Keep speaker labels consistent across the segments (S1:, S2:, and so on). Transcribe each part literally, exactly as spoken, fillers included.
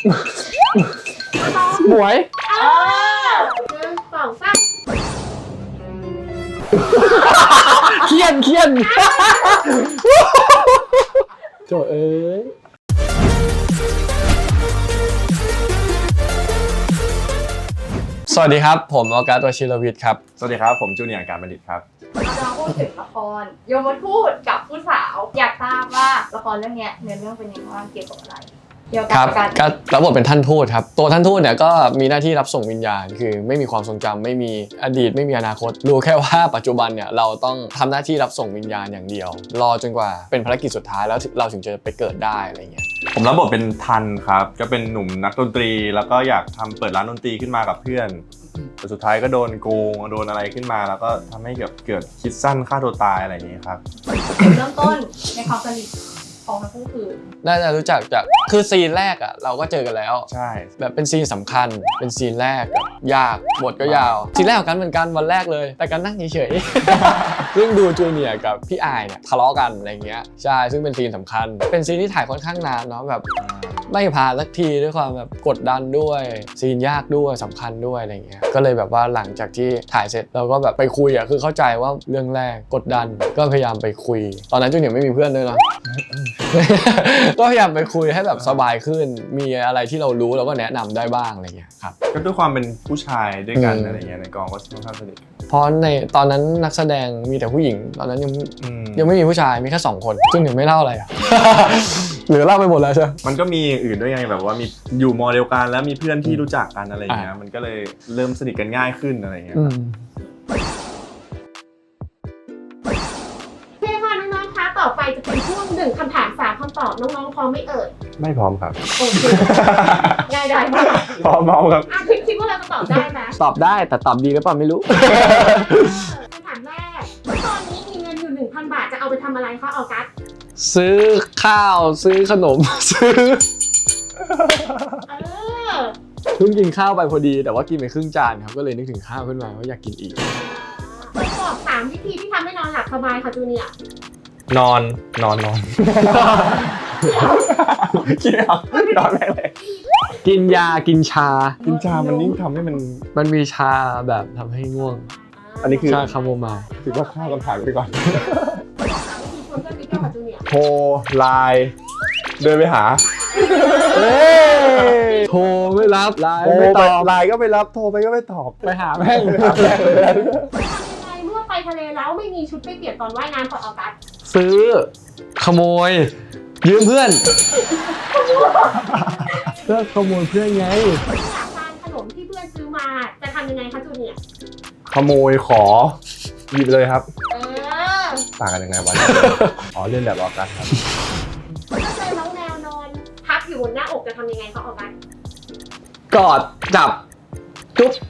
S1: หมวย
S2: หนึ่งสองสาม
S1: เคียนเคียนโจเอ้ยสวัสดีครับผมออกัส วชิรวิทย์ครับ
S3: สวัสดีครับผมจูเนียร์การบัณฑิตครับ
S2: เราพูดถึงละครโยมทูตกับผู้สาวอยากทราบว่าละครเรื่องนี้เนื้อเรื่องเป็นยังไงบ้างเกี่ยวกับอะไรเกี่ยวกับการ
S1: ก็รับบทเป็นท่านทูตครับตัวท่านทูตเนี่ยก็มีหน้าที่รับส่งวิญญาณคือไม่มีความทรงจำไม่มีอดีตไม่มีอนาคตรู้แค่ว่าปัจจุบันเนี่ยเราต้องทำหน้าที่รับส่งวิญญาณอย่างเดียวรอจนกว่าเป็นภารกิจสุดท้ายแล้วเราถึงจะไปเกิดได้อะไรเงี้ย
S3: ผมรับบทเป็นทันครับก็เป็นหนุ่มนักดนตรีแล้วก็อยากทำเปิดร้านดนตรีขึ้นมากับเพื่อนแต่สุดท้ายก็โดนโกงโดนอะไรขึ้นมาแล้วก็ทำให้เกิดเกิดคิดสั้นฆ่าตัวตายอะไรอย่างนี้ครับ
S2: เริ่มต้นในความสนิทของทั้งคู่คือ
S1: น่าจะรู้จักจากคือซีนแรกอ่ะเราก็เจอกันแล้ว
S3: ใช่
S1: แบบเป็นซีนสำคัญเป็นซีนแรกแบบยากบทก็ยาวซีนแรกของกันเหมือนกันวันแรกเลยแต่กันนั่งเฉยๆซึ่งดูจูเนียร์กับพี่อายเนี่ยทะเลาะกันอะไรเงี้ยใช่ซึ่งเป็นซีนสำคัญเป็นซีนที่ถ่ายค่อนข้างนานเนาะแบบไม่ผ่านสักทีด้วยความแบบกดดันด้วยซีนยากด้วยสำคัญด้วยอะไรเงี้ยก็เลยแบบว่าหลังจากที่ถ่ายเสร็จเราก็แบบไปคุยอ่ะคือเข้าใจว่าเรื่องแรกกดดันก็พยายามไปคุยตอนนั้นจูเนียร์ไม่มีเพื่อนด้วยเนาะก็พยายามไปคุยให้แบบสบายขึ้นมีอะไรที่เรารู้เราก็แนะนำได้บ้างอะไรเงี้ยครับ
S3: ก็ด้วยความเป็นผู้ชายด้วยกันอะไรเงี้ยในกองก็ค่อนข้างสนิท
S1: เพราะในตอนนั้นนักแสดงมีแต่ผู้หญิงตอนนั้นยังยังไม่มีผู้ชายมีแค่สองคนซึ่งยังไม่เล่าอะไรอ่ะหรือเล่าไปหมดแล้วใช่
S3: มันก็มีอื่นด้วยไงแบบว่ามีอยู่มอเดียวกันแล้วมีเพื่อนที่รู้จักกันอะไรเงี้ยมันก็เลยเริ่มสนิทกันง่ายขึ้นอะไรเงี้ย
S2: ต่อไปจะเป็นช่วงหนึ่งคำถามสามคำตอบน้องๆพร้อมไม่เอ่ย
S3: ไม่พร้อมครับ
S2: โอเคง่ายได้มาก
S3: พร้อมมากครับ
S2: คิดคิดว่าเราจะตอบได้ไหม
S1: ตอบได้แต่ตอบดีหรือเปล่าไม่รู้
S2: คำถามแรกตอนนี้มีเงินอยู่ หนึ่งพัน บาทจะเอาไปทำอะไรคะออกัส
S1: ซื้อข้าวซื้อขนมซื้อ
S2: เออ
S1: เพิ่งกินข้าวไปพอดีแต่ว่ากินไปครึ่งจานครับก็เลยนึกถึงข้าวขึ้นมาว่าอยากกินอีก
S2: ไปบอกสามวิธีที่ทำให้นอนหลับสบายค่ะจูเนียร์
S3: นอนนอนนอนกินเอานอนแม่เลย
S1: กินยากินชา
S3: กินชามันยิ่งทำให้มัน
S1: มันมีชาแบบทำให้ง่วง
S3: อันนี้คือ
S1: ชาคาโมไมล์
S3: ถือว่าข้าวกันผ่านไปก่อน
S2: โท
S3: รไลน์เดินไปหา
S1: โทรไม่รับไลน์ไม่ตอบ
S3: ไลน์ก็ไม่รับโทรไปก็ไม่ตอบ
S1: ไปหาแม่ง
S2: เมื่อไปทะเลแล้วไม่มีชุดไปเปลี่ยนตอนว่ายน้ำของออกัส
S1: ซื้อขโมยยืมเพื่อนก็ขโมยเพื่อนไง
S2: อยากทานขนมที่เพื่อนซื้อมาจะทำยังไงคะจูเนียร์
S3: ขโมยขอหยิบเลยครับ
S2: เออ
S3: ต่างกันยังไงวะอ๋อเล่นแบบออกัสครับ
S2: ถ้าเจอน้องแมวนอนพับอยู่บนหน้าอกจะทำยังไงคะออกัส
S1: กอดจับจุ๊บ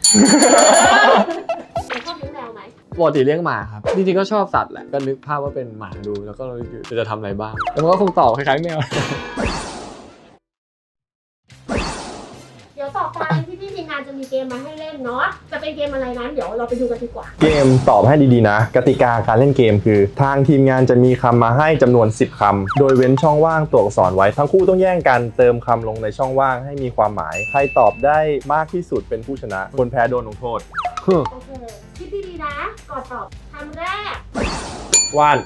S2: ชอบเลี้ยงแมวไหม
S1: ปกติเลี้ยงหมาครับจริงๆก็ชอบสัตว์แหละก็นึกภาพว่าเป็นหมาดูแล้วก็เราจะทำอะไรบ้างแต่มันก็คงตอบคล้ายๆแมว
S2: เดี๋ยวต่อไปที่พี่ทีมงานจะมีเกมมาให้เล่นเนาะจะเป็นเกมอะไรนั้นเดี๋ยวเราไปดูกันดีกว่า
S3: เกมตอบให้ดีๆนะกติกาการเล่นเกมคือทางทีมงานจะมีคำมาให้จำนวนสิบคำโดยเว้นช่องว่างตัวอักษรไว้ทั้งคู่ต้องแย่งกันเติมคำลงในช่องว่างให้มีความหมายใครตอบได้มากที่สุดเป็นผู้ชนะคนแพ้โดนลงโทษ
S2: โอเคคิดดีๆนะก่อนตอบคำแรก
S3: ว่าน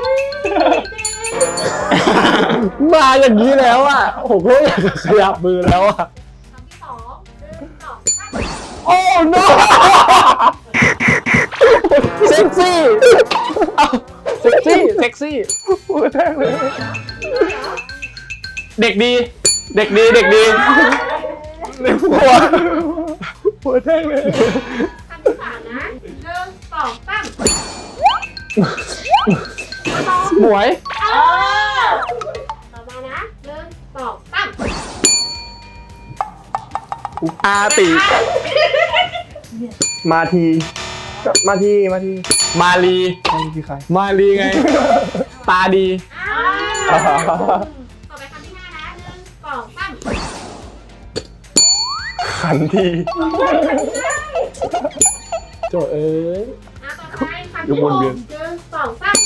S1: มาอย่างนี้แล้วอ่ะผมก็อยากขยับมือแล้วอ่ะ
S2: คำที่สองหนึ่งสองสาม
S1: โอ้ no เซ็กซี่เซ็กซี่เซ็กซี่
S3: พูดแท้เลย
S1: เด็กดีเด็กดีเด็กดี
S3: ในหัวพูดแท้เลย
S2: คำที่สามนะหนึ่งสองสาม
S1: หมวย
S2: ต่อมานะหนึ่งสองสาม
S3: อาติมาทีมาทีมาที
S1: มาลี
S3: มาลีคือใคร
S1: มาลีไงตาดี
S2: ต่อไปคำที่ห้านะหนึ่งสองสาม
S3: ขันที
S1: โจเอ้ย
S2: ต่อไปคำที่หกหนึ่งสองสาม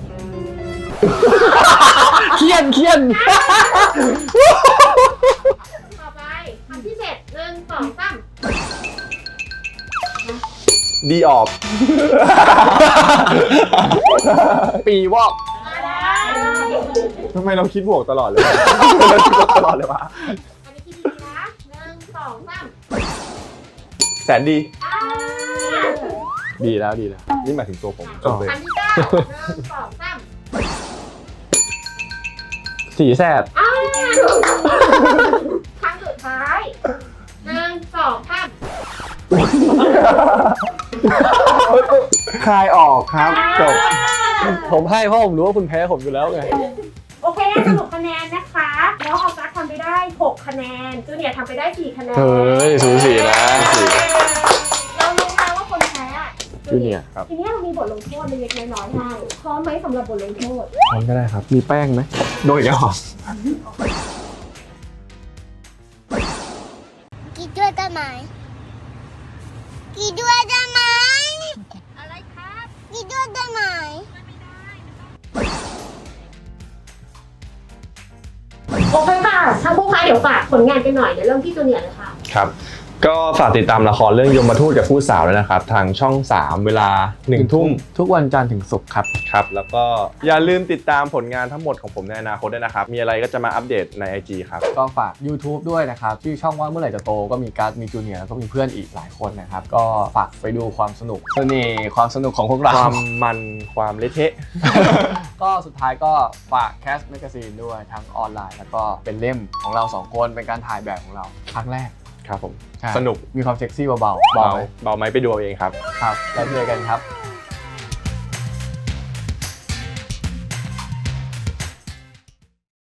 S1: เคียนเคียน
S3: ดีออก
S1: ปีวอก
S2: มาได้
S3: ทำไมเราคิดบวกตลอดเลยวะ เราคิดบวกตลอดเลยวะ
S2: อันนี้คิดดีๆนะหนึ่งสองสาม
S3: แสนดี
S2: อ่า
S1: ดีแล้วดีแล้ว
S3: นี่หมายถึงตัวผมจบเลย
S2: อันที่เก้าหนึ่งสองสาม
S1: สีแสบ
S2: อ่าครั้งสุดท้ายหนึ่งสองสาม
S3: คลายออกครับจบ
S1: ผมให้เพราะผมรู้ว่าคุณแพ้ผมอยู่แล้วไง
S4: โอเคสรุปคะแนนนะคะแล้วออกัสทำไปได้หกคะแนนจูเนียร์ทำไปได้สี่คะแนน
S1: เฮ้ยสูสีนะสูสี
S2: เรารู้แล้วว่าคนแพ้อะ
S1: จูเนียร์
S4: ทีนี้เรามีบทลงโทษเล็กๆน้อยๆให้พร้อมไหมสำหรับบทลงโทษ
S3: พร้อมก็ได้ครับ
S1: มีแป้งไหม
S3: โดนอีกแล้วเหรอ
S5: กินด้วยได้ไหมกินด้วยได้ไหม
S2: อะไรครับ
S5: กินด้วยได้ไหม
S4: โอเคค่ะถ้าผู้ค้าเดี๋ยวฝากผลงานกันหน่อยเดี๋ยวเริ่มที่จูเนียร์เลยค่ะ
S3: ครับ ก็ฝากติดตามละครเรื่องยมทูตกับผู้สาวด้วยนะครับ ทางช่อง สาม เวลาหนึ่งทุ่ม
S1: ทุกวันจันทร์ถึงศุกร์ครับ
S3: ครับ แล้วก็อย่าลืมติดตามผลงานทั้งหมดของผมในอนาคตด้วยนะครับ มีอะไรก็จะมาอัปเดตใน ไอ จี ครับ
S1: ก็ฝาก YouTube ด้วยนะครับชื่อช่องว่าเมื่อไหร่จะโตก็มีการ์ดมีจูเนียร์แล้วก็มีเพื่อนอีกหลายคนนะครับ ก็ฝากไปดูความสนุกเสน่ห์ความสนุกของพวกเรา
S3: ความมันความเละเทะ
S1: ก็สุดท้ายก็ฝากแคสต์แมกกาซีนด้วยทั้งออนไลน์ แล้วก็เป็นเล่มของเราสองคนเป็นการถ่ายแบบของเราครั้งแรก
S3: ครับผม
S1: ใช่
S3: สนุก
S1: มีความเซ็กซี่เบาๆ
S3: เบา
S1: เบา
S3: เบาไหมไปดูเอาเองครับ
S1: ครับแล้วเจอกันครับ